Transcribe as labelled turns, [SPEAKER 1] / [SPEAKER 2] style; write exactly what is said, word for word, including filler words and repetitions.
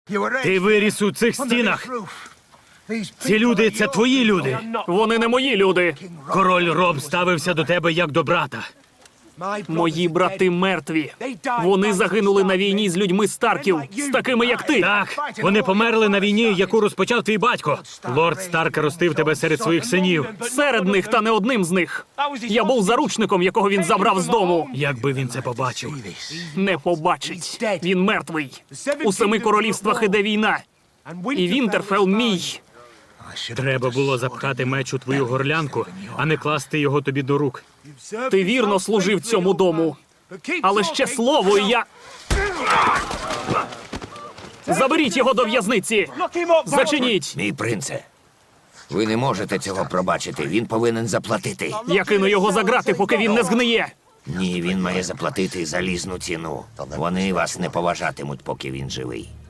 [SPEAKER 1] Ти виріс у цих стінах. Ці люди – це твої люди.
[SPEAKER 2] Вони не мої люди.
[SPEAKER 1] Король Роб ставився до тебе як до брата.
[SPEAKER 2] Мої брати мертві. Вони загинули на війні з людьми Старків, з такими, як ти.
[SPEAKER 1] Так, вони померли на війні, яку розпочав твій батько. Лорд Старк ростив тебе серед своїх синів.
[SPEAKER 2] Серед них, та не одним з них. Я був заручником, якого він забрав з дому.
[SPEAKER 1] Якби він це побачив.
[SPEAKER 2] Не побачить. Він мертвий. У семи королівствах іде війна. І Вінтерфелл мій.
[SPEAKER 1] Треба було запхати меч у твою горлянку, а не класти його тобі до рук.
[SPEAKER 2] Ти вірно служив цьому дому. Але ще слово, і я... Заберіть його до в'язниці! Зачиніть!
[SPEAKER 3] Мій принце, ви не можете цього пробачити. Він повинен заплатити.
[SPEAKER 2] Я кину його за грати, поки він не згниє.
[SPEAKER 3] Ні, він має заплатити залізну ціну. Вони вас не поважатимуть, поки він живий.